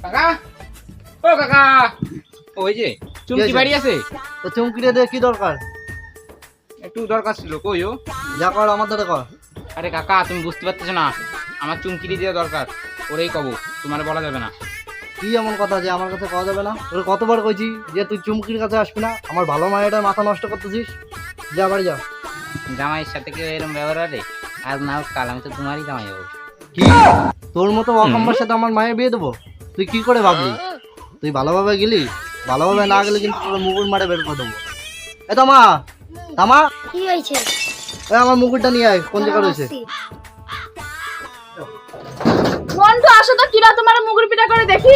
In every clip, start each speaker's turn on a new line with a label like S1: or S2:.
S1: কাকা, ও কাকা, ওই যে চুমকি বাড়ি আছে?
S2: তো চুমকিটা দিয়ে কি দরকার?
S1: একটু দরকার ছিল, কই ও?
S2: যা কর আমার দ্বারা কর।
S1: আরে কাকা, তুমি বুঝতে পারতেছো না, আমার চুমকিরি দেওয়া দরকার, ওরেই কব, তোমার বলা যাবে না।
S2: কি এমন কথা যে আমার কাছে পাওয়া যাবে না? তোর কতবার কইছি যে তুই চুমকির কাছে আসবি না, আমার ভালো মায়ের মাথা নষ্ট করতেছিস। যা বাড়ি যা।
S1: জামাইয়ের সাথে কেউ এরকম ব্যবহার আরে আজ না হোক কাল আমি তো তোমারই জামাই হবো।
S2: কি তোর মতো অকম্মার সাথে আমার মায়ের বিয়ে দেবো? তুই কি করে ভাবলি? তুই ভালোভাবে গেলি, ভালোভাবে না গেলে কিন্তু তোর মুকুট মারে বের করে দেবো। এ তামা, তামা,
S3: কি হয়েছে?
S2: আমার মুকুটটা নিয়ে আয়। কোন জায়গা রয়েছে?
S3: মন্টু, আসো তো, কিরা তোমার মুগুর পিঠা করে দেখি।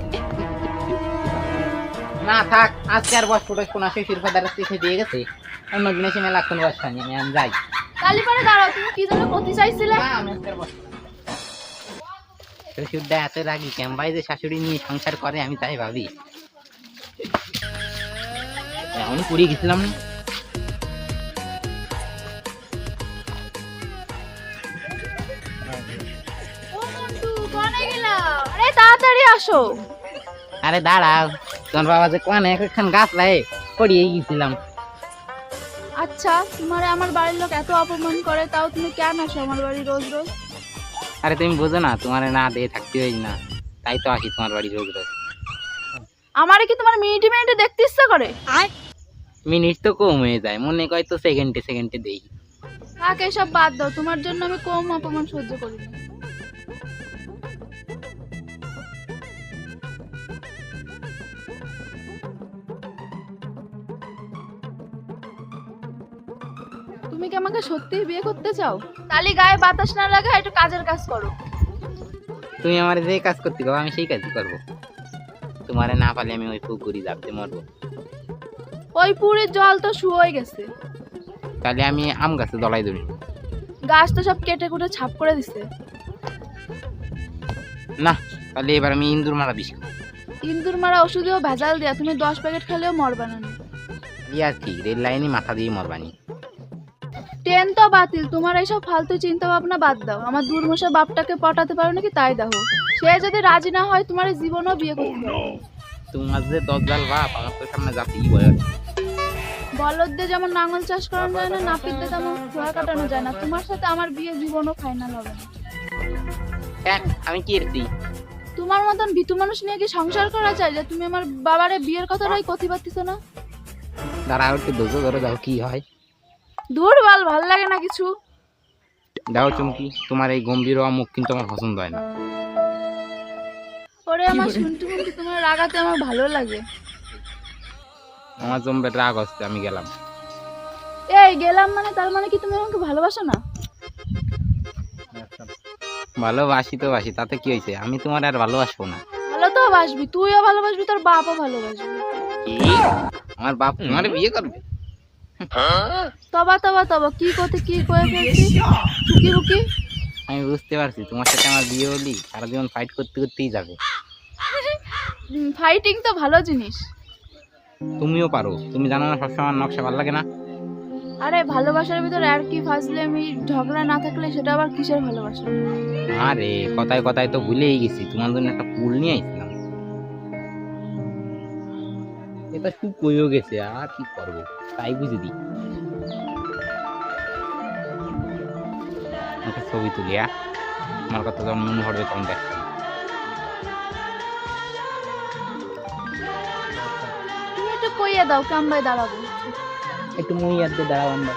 S1: না থাক, আজকে আর বস ফটো কোন আসে শিরফাদার শিখে দিয়ে গেছে, অন্য দিনে সে মেলা কোন বস পানি আমি যাই।
S3: কালি পরে দাঁড়াও, তুমি কি জন্য করতে চাইছিলে?
S1: না, আমি আজকে আর বস শ্বশুরদা এত রাগি কেন ভাই, যে শাশুড়ি নিয়ে সংসার করে আমি তাই ভাবি। এমন পুড়িয়ে গেছিলাম না।
S3: ও মন্টু, কোনে গেলা? আরে তাড়াতাড়ি আসো।
S1: আরে দাঁড়াও, তোমার বাবা যে কোন একখান গাছ লাই পড়িয়ে গেছিলাম।
S3: আচ্ছা, তোমারে আমার বাড়ির লোক এত অপমান করে, তাও তুমি কেন আসো আমার বাড়ি রোজ রোজ?
S1: আরে তুমি বোঝো না, তোমার না দিয়ে থাকতে হয় না, তাই তো আসি তোমার বাড়ি রোজ রোজ।
S3: আমারে কি তোমার মিনিটে মিনিটে দেখতে ইচ্ছা করে?
S1: মিনিট তো কম হয়ে যায়, মনে কয় তো সেকেন্ডে সেকেন্ডে দেই।
S3: থাক, এসব বাদ দাও, তোমার জন্য আমি কম অপমান সহ্য করি না। তুমি কি আমাকে সত্যিই বিয়ে করতে চাও? তালি গায়ে বাতাস না লাগা, একটু কাজের কাজ করো।
S1: তুমি আমার যে কাজ করতে গো আমি সেই কাজই করবো, তোমারে না পালে আমি ওই পুকুরি যাবতে মরবো।
S3: ওই পুরীর জল তো শুয়ে গেছে,
S1: তাহলে আমি আম গাছে দলাই ধরি।
S3: গাছ তো সব কেটে কুটে ছাপ করে দিছে।
S1: না, তাহলে এবার আমি ইন্দুর মারা বিষ খাবো।
S3: ইন্দুর মারা ওষুধেও ভেজাল দেয়া, তুমি 10 প্যাকেট খেলেও মরবা না।
S1: আর কি রেল লাইনে মাথা দিয়ে মরবানি।
S3: ট্রেন তো বাতিল, তোমার এইসব ফালতু চিন্তা ভাবনা বাদ দাও। আমার দুর্মশা বাপটাকে পটাতে পারো নাকি তাই দেখো, সে যদি রাজি না হয় তোমার জীবনও বিয়ে করতে হবে।
S1: তোমার যে দজ্জাল বাপ আমার তো সামনে যাতেই বয়স।
S3: বলদদের যেমন নাঙল চাষ করানো যায় না, নাপিতদের তেমন ঘোড়া কাটানো যায় না। তোমার সাথে আমার বিয়ে জীবনও ফাইনাল হবে না।
S1: আমি কি এরছি?
S3: তোমার মতন ভীতু মানুষ নিয়ে কি সংসার করা যায়, যে তুমি আমার বাবারে বিয়ের কথাটাই কথি পাচ্ছিস না?
S1: দাঁড়াও একটু ধৈর্য ধরে দাও, কি হয়।
S3: দূর বাল, ভাল লাগে না কিছু।
S1: দাও চুমকি, তোমার এই গম্ভীর মুখ কিন্তু আমার পছন্দ হয় না।
S3: ওরে আমার শুনতে শুনতে তোমার রাগাতে আমার ভালো লাগে।
S1: আমার জমবে রাগ হচ্ছে, আমি গেলাম।
S3: এই গেলাম মানে, তার মানে কি তুমি আমাকে ভালোবাসো না?
S1: ভালোবাসি তো বাসি, তাতে কি হয়েছে, আমি তোমার আর ভালোবাসবো না।
S3: ভালো তো বাসবি, তুইও ভালোবাসবি, তোর বাপও ভালোবাসবি।
S1: কি? আমার বাপ তোমার বিয়ে করবে?
S3: তবা তবা তবা, কি কথা কি কয়ে ফেলছিস? চুকি বুকি।
S1: আমি বুঝতে পারছি, তোমার সাথে আমার বিয়ে হলি সারা জীবন ফাইট করতে করতেই যাবে।
S3: ফাইটিং তো ভালো জিনিস।
S1: তুমিও পারো, তুমি জানো না সবসময় আমার নকশা ভালো লাগে না।
S3: আরে ভালোবাসার ভিতরে আর কি ফাজলে, আমি ঝগড়া না থাকলে সেটা আবার কিসের ভালোবাসা?
S1: আরে কথায় কথায় তো ভুলেই গেছি, তোমার জন্য একটা ফুল নিয়ে আইছিলাম। এটা শুকিয়েও গেছে, আর কি করবো, তাই বুঝে দিই। একটা ছবি তুলি, আমার কথা যখন মনে পড়বে তখন দেখ।
S3: তুমি একটু কইয়া দাও, কামবাই দাঁড়াবো।
S1: একটু মই আর দিয়ে দাঁড়াও আমরা।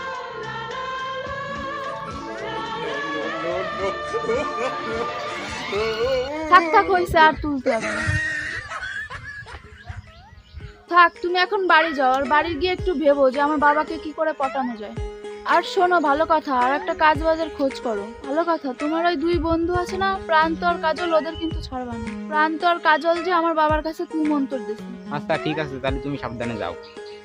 S3: থাক থাক, হয়েছে, আর তুলতে হবে না। থাক, তুমি এখন বাড়ি যাও, আর বাড়ি গিয়ে একটু ভেবো যে আমার বাবাকে কি করে পটানো যায়। আর শোনো, ভালো কথা, আর একটা কাজ বাজের খোঁজ করো। ভালো কথা, তোমার ওই 2 বন্ধু আছে না, প্রান্ত আর কাজল, ওদের কিন্তু ছাড়বা না। প্রান্ত আর কাজল যে আমার বাবার কাছে কুমন্তর দিছে।
S1: আচ্ছা ঠিক আছে, তাহলে তুমি সাবধানে যাও।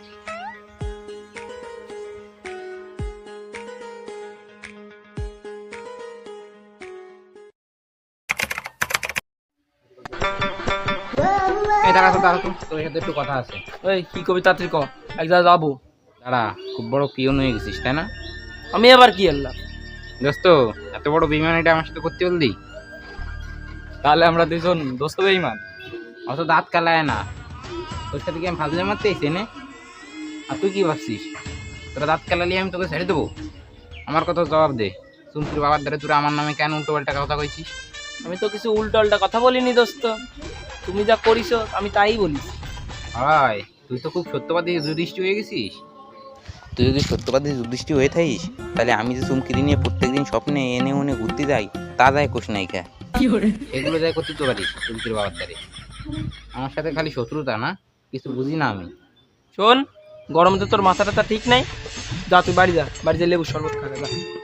S1: এই দাঁড়া তো, দাঁড়া তো, তোর সাথে একটু কথা আছে।
S4: ওই কি কবি তাড়াতাড়ি ক, এক জায়গায় যাবো।
S1: দাঁড়া, খুব বড় পিয়ন হয়ে গেছিস তাই না?
S4: আমি আবার কি এলাম?
S1: দোস্ত, এত বড় বেইমানিটা আমার সাথে করতে বললি?
S4: তাহলে আমরা দুজন দোস্ত বেঈমান?
S1: অত দাঁত কালায় না, তোর সাথে কি আমি ফাজলে মারতে এসে নে? আর তুই কি ভাবছিস তোরা দাঁত কালালি আমি তোকে ছেড়ে দেবো? আমার কথা জবাব দে। চুমকির বাবার দ্বারা তোরা আমার নামে কেন উল্টো পাল্টা কথা কইছিস?
S4: আমি তো কিছু উল্টো আল্টা কথা বলিনি দোস্ত, তুমি যা করিস আমি তাই বলিস।
S1: ভাই তুই তো খুব সত্যবাদী যুধিষ্ঠি হয়ে গেছিস। তুই যদি সত্যবাদী যুধিষ্ঠি হয়ে থাকিস তাহলে আমি যে চুমকিরি নিয়ে প্রত্যেকদিন স্বপ্নে এনে ওনে ঘুরতে যাই তা যায় কোষ নাই খা, এগুলো যাই করতে তো পারিস চুমকির বাবার দ্বারে। আমার সাথে খালি শত্রুতা না, কিছু বুঝি না আমি।
S4: শোন, গরমে তো তোর মাথা টাথা ঠিক নাই, যা তুই বাড়ি যা, বাড়ি যা লেবু শরবত খাবে যা।